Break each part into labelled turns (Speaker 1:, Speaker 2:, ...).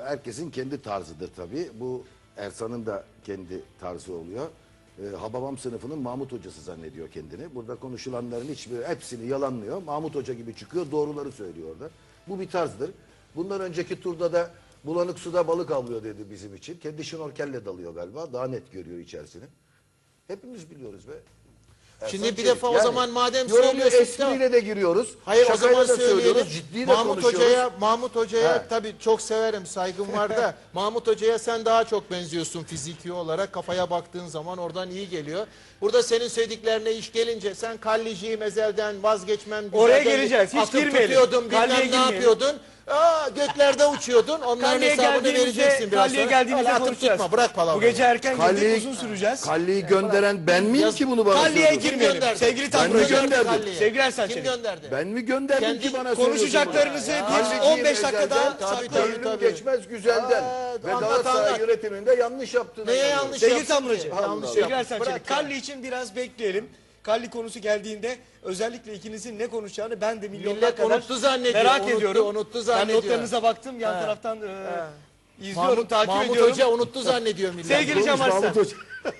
Speaker 1: herkesin kendi tarzıdır tabii. Bu Ersan'ın da kendi tarzı oluyor. Hababam sınıfının Mahmut hocası zannediyor kendini. Burada konuşulanların hepsini yalanlıyor. Mahmut Hoca gibi çıkıyor, doğruları söylüyor orada. Bu bir tarzdır. Bundan önceki turda da bulanık suda balık avlıyor dedi bizim için. Kendi şnorkelle dalıyor galiba. Daha net görüyor içerisini. Hepimiz biliyoruz be.
Speaker 2: Şimdi
Speaker 1: Ersan
Speaker 2: bir
Speaker 1: Çelik.
Speaker 2: defa o zaman madem
Speaker 1: yorumlu
Speaker 2: söylüyorsun.
Speaker 1: espriyle de giriyoruz.
Speaker 2: Hayır o
Speaker 1: Şakayla
Speaker 2: zaman
Speaker 1: da söylüyoruz.
Speaker 2: söyleyelim.
Speaker 1: Ciddi de konuşuyoruz.
Speaker 2: Mahmut Hoca'ya
Speaker 1: He.
Speaker 2: tabii çok severim, saygım var da Mahmut Hoca'ya sen daha çok benziyorsun fiziki olarak. Kafaya baktığın zaman oradan iyi geliyor. Burada senin söylediklerine iş gelince sen Kallici'yi mezelden vazgeçmem.
Speaker 3: Oraya geleceğiz. Hiç girmeyelim.
Speaker 2: Tutuyordun,
Speaker 3: Kalliye
Speaker 2: bilmem ne
Speaker 3: girmeyelim.
Speaker 2: yapıyordun. Göklerde uçuyordun. Onların
Speaker 3: Kalliye
Speaker 2: hesabını vereceksin
Speaker 3: geldiğimizde,
Speaker 2: biraz
Speaker 3: Kalliye
Speaker 2: sonra.
Speaker 3: geldiğimizde
Speaker 2: Öyle atıp
Speaker 3: konuşacağız.
Speaker 2: tutma, bırak palavrayı.
Speaker 3: Bu gece erken
Speaker 1: Kalliye-
Speaker 3: geldik, uzun süreceğiz.
Speaker 1: Kalliyi gönderen ben miyim ki bunu bana
Speaker 3: Kalliye
Speaker 1: söylüyorsun?
Speaker 3: girmeyelim.
Speaker 2: gönderdi?
Speaker 3: Sevgili
Speaker 1: Ben mi
Speaker 3: Tanrı
Speaker 1: gönderdim?
Speaker 2: Kalliye.
Speaker 3: Sevgili Ersan
Speaker 2: Kim
Speaker 3: Çelik.
Speaker 2: gönderdi?
Speaker 1: Ben mi gönderdim
Speaker 2: Kendi
Speaker 1: ki bana
Speaker 3: konuşacaklarınızı
Speaker 1: söylüyorsun bunu?
Speaker 3: bir
Speaker 1: Kalliciyim
Speaker 3: 15 dakika
Speaker 1: ezelden,
Speaker 3: daha
Speaker 2: tabii,
Speaker 3: saklayın.
Speaker 1: gönlüm
Speaker 2: tabii.
Speaker 1: geçmez güzelden. Ve
Speaker 2: anlat,
Speaker 1: Galatasaray
Speaker 2: anlat.
Speaker 1: yönetiminde yanlış yaptığını
Speaker 2: Neye
Speaker 1: inanıyorum.
Speaker 2: yanlış
Speaker 3: Sevgili
Speaker 2: yaptın
Speaker 3: Tamracı,
Speaker 2: ki?
Speaker 1: Allah
Speaker 2: Yanlış
Speaker 1: Allah.
Speaker 3: Sevgili
Speaker 2: yaptın.
Speaker 3: Ersan Çelik,
Speaker 2: Bırak ya.
Speaker 3: Kalli için biraz bekleyelim. Kalli konusu geldiğinde özellikle ikinizin ne konuşacağını ben de milyonlar
Speaker 2: Millet
Speaker 3: kadar
Speaker 2: unuttu zannediyor,
Speaker 3: merak
Speaker 2: unuttu,
Speaker 3: ediyorum.
Speaker 2: unuttu
Speaker 3: Ben
Speaker 2: zannediyor.
Speaker 3: notlarınıza baktım, yan
Speaker 2: He.
Speaker 3: taraftan izliyorum, takip
Speaker 2: Mahmut
Speaker 3: ediyorum.
Speaker 2: Hoca unuttu zannediyor millet.
Speaker 3: Sevgili Cem
Speaker 1: Mahmut
Speaker 3: Arslan,
Speaker 1: Hoca.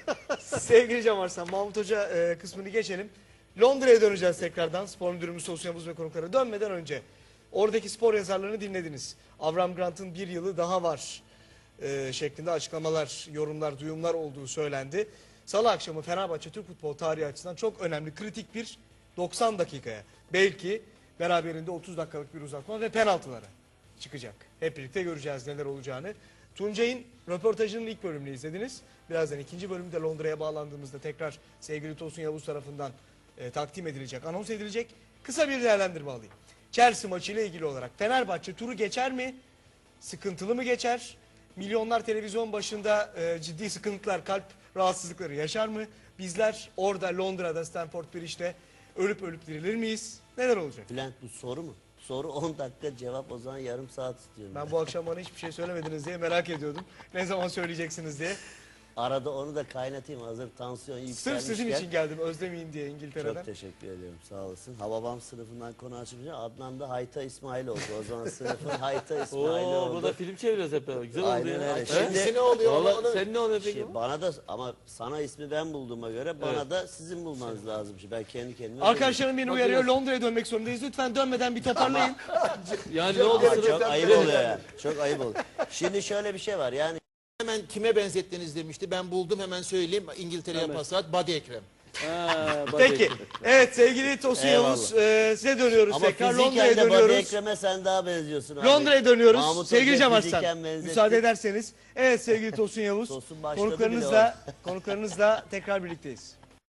Speaker 3: sevgili Cem Arslan, Mahmut Hoca kısmını geçelim. Londra'ya döneceğiz tekrardan. Spor müdürümüz Tosun Yavuz ve konuklara dönmeden önce. Oradaki spor yazarlarını dinlediniz. Avram Grant'ın bir yılı daha var şeklinde açıklamalar, yorumlar, duyumlar olduğu söylendi. Salı akşamı Fenerbahçe Türk futbol tarihi açısından çok önemli, kritik bir 90 dakikaya. Belki beraberinde 30 dakikalık bir uzatma ve penaltılara çıkacak. Hep birlikte göreceğiz neler olacağını. Tuncay'ın röportajının ilk bölümünü izlediniz. Birazdan ikinci bölümde Londra'ya bağlandığımızda tekrar sevgili Tosun Yavuz tarafından takdim edilecek, anons edilecek. Kısa bir değerlendirme alayım. Chelsea maçıyla ilgili olarak Fenerbahçe turu geçer mi? Sıkıntılı mı geçer? Milyonlar televizyon başında ciddi sıkıntılar, kalp rahatsızlıkları yaşar mı? Bizler orada Londra'da Stamford Bridge'de ölüp ölüp dirilir miyiz? Neler olacak?
Speaker 4: Bülent bu soru mu? Soru 10 dakika, cevap o zaman yarım saat istiyorum.
Speaker 3: Ben bu akşam bana hiçbir şey söylemediniz diye merak ediyordum. Ne zaman söyleyeceksiniz diye.
Speaker 4: Arada onu da kaynatayım, hazır tansiyon
Speaker 3: Sırf
Speaker 4: yükselmişken.
Speaker 3: sizin için geldim, özlemeyin diye İngiltere'den.
Speaker 4: Çok teşekkür ediyorum, sağ olasın. Hababam sınıfından konu açınca Adnan da Hayta İsmail oldu. O zaman sınıfın Hayta İsmail
Speaker 5: Oo,
Speaker 4: oldu.
Speaker 5: burada film çeviriyoruz hep beraber. Güzel oldu
Speaker 4: Aynen
Speaker 5: ya.
Speaker 4: öyle.
Speaker 5: He?
Speaker 4: Şimdi
Speaker 2: Ne oluyor?
Speaker 5: Vallahi sen ne oluyor peki?
Speaker 4: şey, bana da ama sana ismi ben bulduğuma göre bana da sizin bulmanız lazım. Şimdi ben kendi kendime...
Speaker 3: Arkadaşlarım beni uyarıyor, Londra'ya dönmek zorundayız. Lütfen dönmeden bir toparlayın.
Speaker 5: Yani ne oldu?
Speaker 4: Ama
Speaker 5: sırf-
Speaker 4: çok ayıp oluyor yani. Çok ayıp oluyor. Şimdi şöyle bir şey var yani.
Speaker 2: Hemen kime benzettiniz demişti. Ben buldum, hemen söyleyeyim. İngiltere'ye pas at. Badi Ekrem.
Speaker 5: Ha, bak
Speaker 3: Peki.
Speaker 5: bakayım.
Speaker 3: Evet sevgili Tosun
Speaker 4: Eyvallah.
Speaker 3: Yavuz, size dönüyoruz
Speaker 4: Ama
Speaker 3: tekrar. Londra'ya
Speaker 4: fiziken de Badi
Speaker 3: dönüyoruz.
Speaker 4: Ekrem'e sen daha benziyorsun abi.
Speaker 3: Londra'ya dönüyoruz.
Speaker 4: Mahmut
Speaker 3: Sevgili
Speaker 4: Hoca
Speaker 3: Cem
Speaker 4: fiziken
Speaker 3: Arslan,
Speaker 4: benzetti.
Speaker 3: müsaade ederseniz. Evet sevgili Tosun Yavuz,
Speaker 4: Tosun başladı
Speaker 3: konuklarınızla tekrar birlikteyiz.